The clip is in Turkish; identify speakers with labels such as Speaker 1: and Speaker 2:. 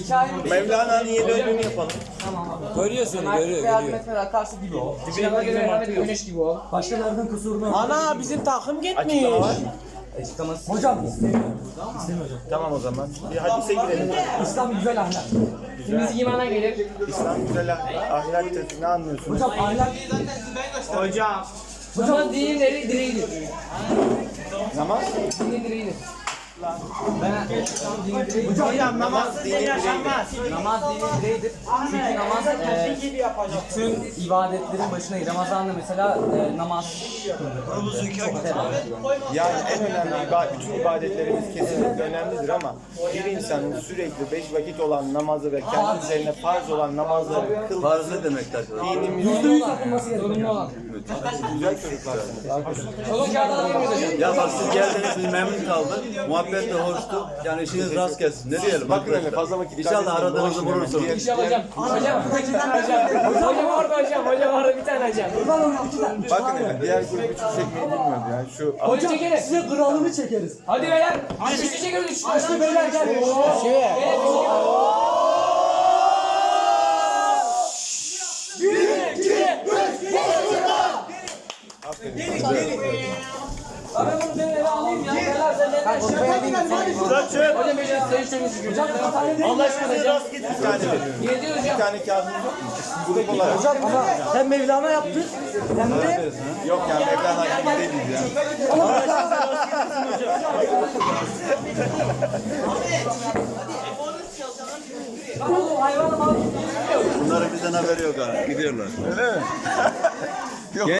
Speaker 1: Mevlana'nın yeni ödülünü yapalım.
Speaker 2: Görüyorsun, görüyor.
Speaker 3: Mesela karşı gibi ol.
Speaker 4: Dibine göre güneş gibi ol.
Speaker 2: Başkalarının kusurunu.
Speaker 3: Ana bizim takım gitmiş.
Speaker 1: Açıklama var.
Speaker 2: Hocam
Speaker 1: Tamam o zaman. Bir hadise girelim.
Speaker 2: İslam güzel ahlak.
Speaker 4: Temizlik imana gelir.
Speaker 1: İslam güzel ahlaktır. Ne anlıyorsunuz?
Speaker 2: Hocam ahlak.
Speaker 4: Namaz dinin direğidir.
Speaker 1: Namaz?
Speaker 4: Dinin direğidir.
Speaker 3: Hocam namaz
Speaker 1: dini
Speaker 3: yaşanmaz.
Speaker 5: Namaz dinin direğidir. Çünkü namaz bütün ibadetlerin başına gelir. Ramazan'da mesela namaz.
Speaker 1: Yani en önemli bütün ibadetlerimiz kesinlikle önemlidir ama bir insanın sürekli 5 vakit olan namazı ve kendi üzerine farz olan namazları kıl.
Speaker 6: Farz ne demektir arkadaşlar?
Speaker 1: Dinimizde
Speaker 4: Zorunlu olan.
Speaker 1: güzel çocuklarsınız.
Speaker 4: Oğlum kağıt alabilir miyiz hocam?
Speaker 6: Ya bak siz geldiniz, biz memnun kaldık. Muhabbet de hoştu. Yani işiniz rast gelsin. Ne diyelim?
Speaker 1: Bakın hele fazla vakit
Speaker 6: İnşallah aradığınızı bulursunuz.
Speaker 4: İnşallah hocam. Hocam. Hocam orada hocam. Hocam orada bir tane hocam.
Speaker 1: Bakın hele diğer grup hiç çekmeyi bilmiyordu yani şu
Speaker 4: Hocam çekelim.
Speaker 2: Size kralını çekeriz.
Speaker 4: Hadi beyler. Üçlü çekiyoruz. Üçlü.
Speaker 2: Başka beyler gel.
Speaker 4: Abi bunu ben eve alayım ya. Beyler sen neden hocam beyler sen işlemesi hocam.
Speaker 1: Allah aşkına rast getir bir tane.
Speaker 4: Yedi
Speaker 1: Bir
Speaker 4: hocam.
Speaker 1: tane kağıdımız yok mu? Grup olarak.
Speaker 2: Hocam ama hem Mevlana yaptı hem de
Speaker 1: Yok yani Mevlana gibi değiliz ya.
Speaker 4: Oğlum hayvanım abi.
Speaker 6: Bunların bizden haberi yok ha. Gidiyorlar.
Speaker 1: Öyle mi? Yok.